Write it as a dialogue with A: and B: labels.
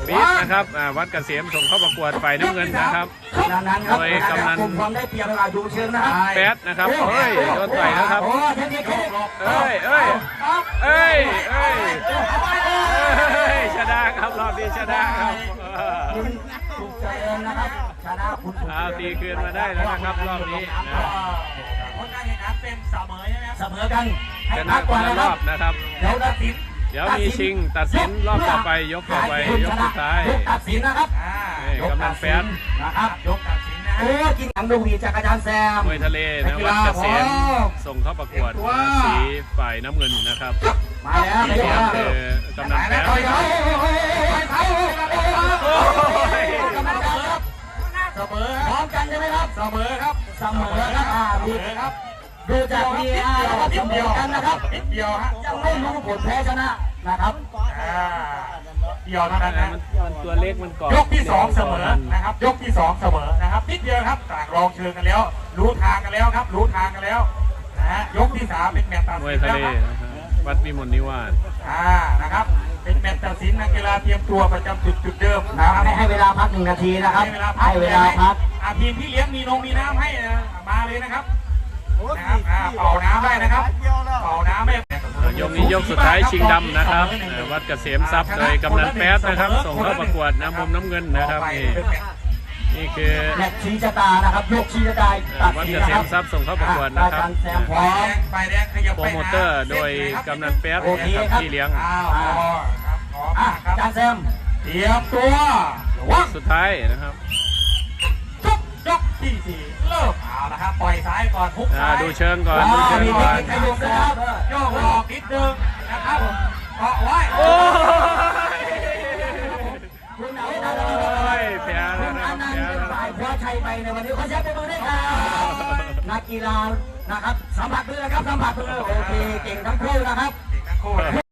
A: บีทนะครับวัดเกษมส่งเข้าประกวดฝ่ายน้ำเงินนะครับโดยกำนันแป๊ดนะครับเฮ้ยโดนต่อยแล้วครับเอ้ยชนะครับรอบนี้ชนะครับตีคืนมาได้แล้วนะครับรอบนี้
B: ผลการแข่งขันเป็นเสมอใช่ไหมครับเสมอกัน
A: ชนะคนละรอบนะครับเดี๋ยวมีชิงตัดสินรอบต่อไปยกต่อไปยกสุดท้าย
B: ตัดสินนะครับ
A: กำนันแป๊ด
B: นะครับยกตัดสินนะโอ้กินหนังดูมีจักรยานแซม
A: มวยทะเลนะวัดเกษมส่งเข้าประกวดสีฝ่ายน้ำเงินนะครับ
B: มาแล้ว
A: สีเหลืองคือกำนันแป๊ด
B: เสมอพร้อมกันใช่ไหมครับเสมอครับเสมอครับดูจากVRแล้วก็เสมอกันนะครับเดียวฮะยังไม่รู้ผลแพ้ชนะนะครับเดียวเท่านั้นนะ
A: มันตัวเล็กมันก่อน
B: ยกที่2เสมอนะครับยกที่2เสมอนะครับนิดเดียวครับต่างรองเชิงกันแล้วรู้ทางกันแล้วครับรู้ทางกันแล้วนะฮะยกที่3เป็นแมตช์ตัดสิน
A: มวยทะเลวัดวิมลนิวาส
B: นะครับเป็นแมตช์ตัดสินนักกีฬาเตรียมตัวประจำจุดเดิมนะครับให้เวลาพัก1 นาทีนะครับให้เวลาพักทีมที่เลี้ยงมีน้ำให้มาเลยนะครับเป่าน้ำได้นะครับเป่าน้ำไม่
A: ยกนี้ยกสุดท้ายชิงดำนะครับวัดเกษมทรัพย์โดยกำนันแป๊ดนะครับส่งเข้าประกวดมุมน้ำเงินนะครับนี่คือ
B: แมตช์ชี้ชะตานะครับยกชี้ชะตา
A: วัดเกษมทรัพย์ส่งเข้าประกวดนะครับโปรโมเตอร์โดยกำนันแป๊ดนะครับที่เลี้ยง
B: จานแซมเตรียมตัว
A: สุดท้ายนะครับ
B: ยกที่4เริ่มเอาละครับปล่อยซ้ายก่อนพุกซ้าย
A: ดูเชิงก่อนดูเชิงก่อน
B: โยกหลอกนิดนึงนะครับเกาะไว้
A: โอ้ยแพ้แล้วนะครับแพ้แล้ว
B: คว้าชัยไปในวันนี้ขอแชร์ไปมือด้วยครับนักกีฬานะครับสัมผัสมือนะครับสัมผัสมือโอเคเก่งทั้งคู่นะครับเก่งทั้งคู่